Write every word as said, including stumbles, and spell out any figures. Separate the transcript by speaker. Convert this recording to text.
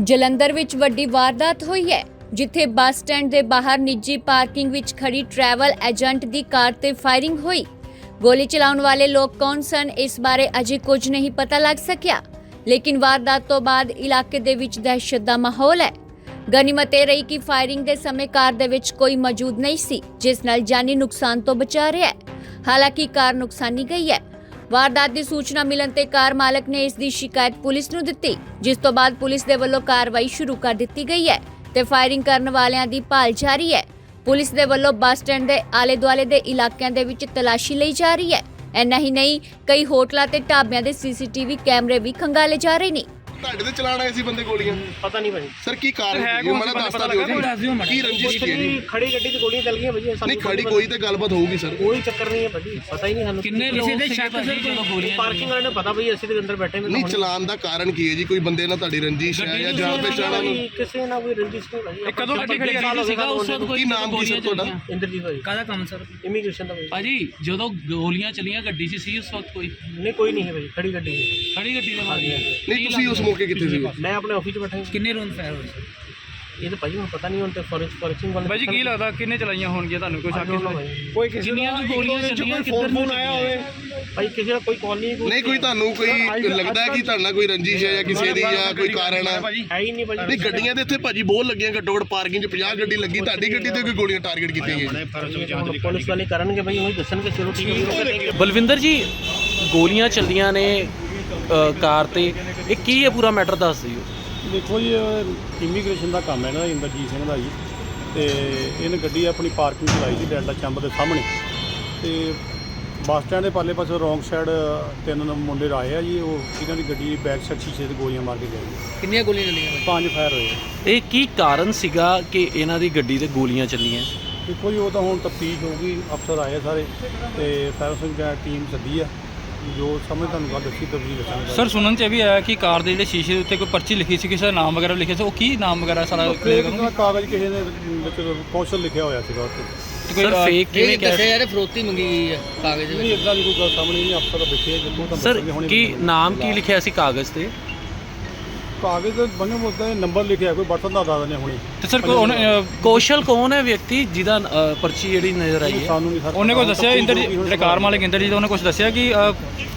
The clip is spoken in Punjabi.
Speaker 1: ਜਲੰਧਰ ਵਿੱਚ ਵੱਡੀ ਵਾਰਦਾਤ ਹੋਈ ਹੈ, ਜਿੱਥੇ ਬੱਸ ਸਟੈਂਡ ਦੇ ਬਾਹਰ ਨਿੱਜੀ ਪਾਰਕਿੰਗ ਵਿੱਚ ਖੜੀ ਟਰੈਵਲ ਏਜੰਟ ਦੀ ਕਾਰ ਤੇ ਫਾਇਰਿੰਗ ਹੋਈ। ਗੋਲੀ ਚਲਾਉਣ ਵਾਲੇ ਲੋਕ ਕੌਣ ਸਨ, ਇਸ ਬਾਰੇ ਅਜੇ ਕੁਝ ਨਹੀਂ ਪਤਾ ਲੱਗ ਸਕਿਆ, ਲੇਕਿਨ ਵਾਰਦਾਤ ਤੋਂ ਬਾਅਦ ਇਲਾਕੇ ਦੇ ਵਿੱਚ ਦਹਿਸ਼ਤ ਦਾ ਮਾਹੌਲ ਹੈ। ਗਨੀਮਤ ਇਹ ਰਹੀ ਕਿ ਫਾਇਰਿੰਗ ਦੇ ਸਮੇਂ ਕਾਰ ਦੇ ਵਿੱਚ ਕੋਈ ਮੌਜੂਦ ਨਹੀਂ ਸੀ, ਜਿਸ ਨਾਲ ਜਾਨੀ ਨੁਕਸਾਨ ਤੋਂ ਬਚਾ ਰਿਹਾ ਹੈ। ਹਾਲਾਂਕਿ ਕਾਰ ਨੁਕਸਾਨੀ ਗਈ ਹੈ। ਵਾਰਦਾਤ ਦੀ ਸੂਚਨਾ ਮਿਲਣ ਤੇ ਕਾਰ ਮਾਲਕ ਨੇ ਇਸ ਦੀ ਸ਼ਿਕਾਇਤ ਪੁਲਿਸ ਨੂੰ ਦਿੱਤੀ, ਜਿਸ ਤੋਂ ਬਾਅਦ ਪੁਲਿਸ ਦੇ ਵੱਲੋਂ ਕਾਰਵਾਈ ਸ਼ੁਰੂ ਕਰ ਦਿੱਤੀ ਗਈ ਹੈ ਤੇ ਫਾਇਰਿੰਗ ਕਰਨ ਵਾਲਿਆਂ ਦੀ ਭਾਲ ਜਾਰੀ ਹੈ। ਪੁਲਿਸ ਦੇ ਵੱਲੋਂ ਬੱਸ ਸਟੈਂਡ ਦੇ ਆਲੇ-ਦੁਆਲੇ ਦੇ ਇਲਾਕਿਆਂ ਦੇ ਵਿੱਚ ਤਲਾਸ਼ੀ ਲਈ ਜਾ ਰਹੀ ਹੈ। ਇੰਨਾ ਹੀ ਨਹੀਂ, ਕਈ ਹੋਟਲਾਂ ਤੇ ਢਾਬਿਆਂ ਦੇ ਸੀਸੀਟੀਵੀ ਕੈਮਰੇ ਵੀ ਖੰਗਾਲੇ ਜਾ ਰਹੇ ਨੇ।
Speaker 2: ਤੁਹਾਡੇ ਤੇ ਚਲਾਣ ਆਏ ਸੀ ਬੰਦੇ ਗੋਲੀਆਂ?
Speaker 3: ਪਤਾ ਨਹੀਂ ਭਾਜੀ
Speaker 2: ਸਰ ਕੀ ਕਾਰਨ ਹੈ? ਮੈਨੂੰ ਦੱਸਤਾ ਦਿਓ ਜੀ, ਕੀ ਰੰਜਿਸ਼ ਕੀ ਹੈ ਜੀ?
Speaker 3: ਖੜੀ ਗੱਡੀ ਤੇ ਗੋਲੀਆਂ ਚੱਲ ਗਈਆਂ ਭਾਜੀ।
Speaker 2: ਨਹੀਂ ਖੜੀ ਕੋਈ ਤੇ ਗੱਲਬਾਤ ਹੋਊਗੀ ਸਰ।
Speaker 3: ਕੋਈ ਚੱਕਰ ਨਹੀਂ ਹੈ ਭਾਜੀ, ਪਤਾ ਹੀ ਨਹੀਂ ਸਾਨੂੰ
Speaker 4: ਕਿੰਨੇ ਲੋਕ ਦੇ ਸ਼ੱਕ ਸੀ ਜਦੋਂ ਗੋਲੀਆਂ
Speaker 3: ਪਾਰਕਿੰਗ ਵਾਲੇ ਨੂੰ ਪਤਾ ਭਾਈ ਅਸੀਂ ਤੇ ਅੰਦਰ ਬੈਠੇ
Speaker 2: ਨਹੀਂ ਚਲਾਣ ਦਾ ਕਾਰਨ ਕੀ ਹੈ ਜੀ? ਕੋਈ ਬੰਦੇ ਨਾਲ ਤੁਹਾਡੀ ਰੰਜਿਸ਼ ਹੈ ਜਾਂ ਜਾਣ ਪਛਾਣ ਨੂੰ?
Speaker 3: ਕਿਸੇ ਨਾਲ ਕੋਈ ਰੰਜਿਸ਼ ਨਹੀਂ ਭਾਜੀ।
Speaker 4: ਕਦੋਂ ਗੱਡੀ ਖੜੀ ਸੀਗਾ ਉਸ ਵਕਤ? ਕੋਈ
Speaker 2: ਕੀ ਨਾਮ ਕੀ ਸਰ ਤੁਹਾਡਾ?
Speaker 3: ਇੰਦਰਜੀਤ ਭਾਜੀ।
Speaker 4: ਕਾਹਦਾ ਕੰਮ ਸਰ?
Speaker 3: ਇਮੀਗ੍ਰੇਸ਼ਨ ਦਾ ਭਾਜੀ।
Speaker 4: ਭਾਜੀ ਜਦੋਂ ਗੋਲੀਆਂ ਚਲੀਆਂ ਗੱਡੀ 'ਚ ਸੀ ਉਸ ਵਕਤ ਕੋਈ?
Speaker 3: ਨਹੀਂ ਕੋਈ ਨਹੀਂ ਹੈ ਭਾਜੀ, ਖੜੀ ਗੱਡੀ ਹੈ।
Speaker 4: ਖੜੀ ਗੱਡੀ ਦੇ ਮਾਰੀ?
Speaker 2: ਨਹੀਂ ਤੁਸੀਂ ਉਸ ਮੌਕੇ ਕਿੱਥੇ ਸੀ?
Speaker 3: ਮੈਂ ਆਪਣੇ ਆਫਿਸ 'ਚ ਬੈਠਾ ਹਾਂ।
Speaker 4: ਕਿੰਨੇ ਰੌਂਡ ਫਾਇਰ ਹੋਏ?
Speaker 3: ਇਹ ਤਾਂ ਭਾਜੀ ਹੁਣ ਪਤਾ ਨਹੀਂ, ਹੁਣ ਤੇ ਫੋਰੈਂਸਿਕ ਫੋਰੈਂਸਿਕ ਵਾਲੇ
Speaker 5: ਭਾਜੀ ਕੀ ਲੱਗਦਾ ਕਿੰਨੇ ਚਲਾਈਆਂ ਹੋਣਗੀਆਂ ਤੁਹਾਨੂੰ ਕੋਈ ਸ਼ੱਕ?
Speaker 3: ਕੋਈ
Speaker 5: ਕਿਸੇ
Speaker 4: ਜਿੰਨੀਆਂ ਵੀ ਗੋਲੀਆਂ ਚੱਲੀਆਂ ਕਿੱਧਰ ਨੂੰ ਆਇਆ ਹੋਵੇ?
Speaker 3: ਭਾਈ ਕਿਸੇ ਦਾ ਕੋਈ ਕਾਲ ਨਹੀਂ।
Speaker 2: ਨਹੀਂ ਕੋਈ ਤੁਹਾਨੂੰ ਕੋਈ ਲੱਗਦਾ ਹੈ ਕਿ ਤੁਹਾਡੇ ਨਾਲ ਕੋਈ ਰੰਜਿਸ਼ ਹੈ ਜਾਂ ਕਿਸੇ ਦੀ ਜਾਂ ਕੋਈ ਕਾਰਨ ਹੈ?
Speaker 3: ਹੈ ਹੀ ਨਹੀਂ ਭਾਜੀ।
Speaker 2: ਨਹੀਂ ਗੱਡੀਆਂ ਦੇ ਇੱਥੇ ਭਾਜੀ ਬਹੁਤ ਲੱਗੀਆਂ, ਘੱਟੋ ਘੱਟ ਪਾਰਕਿੰਗ 'ਚ ਪੰਜਾਹ ਗੱਡੀ ਲੱਗੀ, ਤੁਹਾਡੀ ਗੱਡੀ ਤੇ ਕੋਈ ਗੋਲੀਆਂ ਟਾਰਗੇਟ ਕੀਤੀਆਂ ਗਈਆਂ?
Speaker 3: ਹੁਣ ਪੁਲਿਸ ਵਾਲੇ ਕਰਨਗੇ ਭਾਈ, ਉਹੀ ਦੱਸਣਗੇ। ਚਲੋ ਠੀਕ ਹੈ।
Speaker 6: ਬਲਵਿੰਦਰ ਜੀ, ਗੋਲੀਆਂ ਚੱਲੀਆਂ ਨੇ ਅ, ਕਾਰ ਤੇ, ਇਹ ਕੀ ਹੈ ਪੂਰਾ ਮੈਟਰ ਦੱਸ ਦਿਓ।
Speaker 7: ਦੇਖੋ ਜੀ, ਇਮੀਗ੍ਰੇਸ਼ਨ ਦਾ ਕੰਮ ਹੈ ਨਾ ਇੰਦਰਜੀਤ ਸਿੰਘ ਦਾ ਜੀ, ਤੇ ਇਹਨੇ ਗੱਡੀ ਆਪਣੀ ਪਾਰਕਿੰਗ 'ਚ ਲਾਈ ਸੀ ਡੈਲਟਾ ਚੰਬ ਦੇ ਸਾਹਮਣੇ, ਤੇ ਬੱਸ ਸਟੈਂਡ ਦੇ ਪਾਲੇ ਪਾਸੇ ਰੌਂਗ ਸਾਈਡ ਤਿੰਨ ਮੁੰਡੇ ਆਏ ਆ ਜੀ। ਉਹ ਇਹਨਾਂ ਦੀ ਗੱਡੀ ਬੈਕ ਸਾਈਡ ਸ਼ੀਸ਼ੇ ਤੇ ਗੋਲੀਆਂ ਮਾਰ ਕੇ ਗਏ।
Speaker 4: ਕਿੰਨੀਆਂ ਗੋਲੀਆਂ ਚੱਲੀਆਂ?
Speaker 7: ਪੰਜ ਫਾਇਰ ਹੋਏ।
Speaker 6: ਇਹ ਕੀ ਕਾਰਨ ਸੀਗਾ ਕਿ ਇਹਨਾਂ ਦੀ ਗੱਡੀ ਤੇ ਗੋਲੀਆਂ ਚੱਲੀਆਂ?
Speaker 7: ਦੇਖੋ ਜੀ, ਉਹ ਤਾਂ ਹੁਣ ਤਫਤੀਸ਼ ਹੋਊਗੀ, ਅਫਸਰ ਆਏ ਸਾਰੇ ਤੇ ਫਾਇਰ ਸਿੰਘ ਟੀਮ ਸੱਦੀ ਆ, ਜੋ ਸਮਝ ਤੁਹਾਨੂੰ ਗੱਲ ਦੱਸੀ ਤਫਤੀਸ਼ ਦੱਸਾਂਗੇ।
Speaker 5: ਸਰ ਸੁਣਨ 'ਚ ਇਹ ਵੀ ਆਇਆ ਕਿ ਕਾਰ ਦੇ ਜਿਹੜੇ ਸ਼ੀਸ਼ੇ ਦੇ ਉੱਤੇ ਕੋਈ ਪਰਚੀ ਲਿਖੀ ਸੀ, ਕਿਸੇ ਦਾ ਨਾਮ ਵਗੈਰਾ ਲਿਖਿਆ ਸੀ, ਉਹ ਕੀ ਨਾਮ ਵਗੈਰਾ ਸਾਰਾ ਕਲੀਅਰ ਕਰੋ।
Speaker 7: ਕਾਗਜ਼ ਕਿਸੇ ਨੇ ਵਿੱਚ ਕੌਸ਼ਲ ਲਿਖਿਆ ਹੋਇਆ ਸੀਗਾ ਉੱਤੇ।
Speaker 6: ਸਰ ਫੇਕ ਕਿਵੇਂ ਕਹਿ
Speaker 4: ਦੱਸਿਆ ਯਾਰ ਫਰੋਤੀ ਮੰਗੀ ਗਈ ਹੈ ਕਾਗਜ਼
Speaker 7: ਨਹੀਂ, ਇਦਾਂ ਦੀ ਕੋਈ ਗੱਲ ਸਾਹਮਣੇ ਨਹੀਂ, ਅਫਸਰ ਦਾ ਬੈਠੇ ਜਿੱਥੋਂ ਤਾਂ
Speaker 6: ਸਰ ਕੀ ਨਾਮ ਕੀ ਲਿਖਿਆ ਸੀ ਕਾਗਜ਼ ਤੇ?
Speaker 7: ਕਾਗਜ਼ ਦੇ ਬੰਨੇ ਮੁੱਦਾ ਨੰਬਰ ਲਿਖਿਆ, ਕੋਈ ਬਟਨ ਦਾ ਦੱਸ ਦਿੰਦੇ ਹੁਣੇ।
Speaker 5: ਤੇ ਸਰ ਕੋਈ ਉਹਨੇ
Speaker 6: ਕੌਸ਼ਲ ਕੌਣ ਹੈ ਵਿਅਕਤੀ ਜਿਹਦਾ ਅ, ਪਰਚੀ ਜਿਹੜੀ ਨਜ਼ਰ ਆਈ ਹੈ?
Speaker 7: ਸਾਨੂੰ ਨਹੀਂ ਸਰ।
Speaker 5: ਉਹਨੇ ਕੁਝ ਦੱਸਿਆ? ਇੰਦਰ ਜੀ ਜਿਹੜੇ ਕਾਰ ਮਾਲਕ ਇੰਦਰ ਜੀ, ਉਹਨੇ ਕੁਝ ਦੱਸਿਆ ਕਿ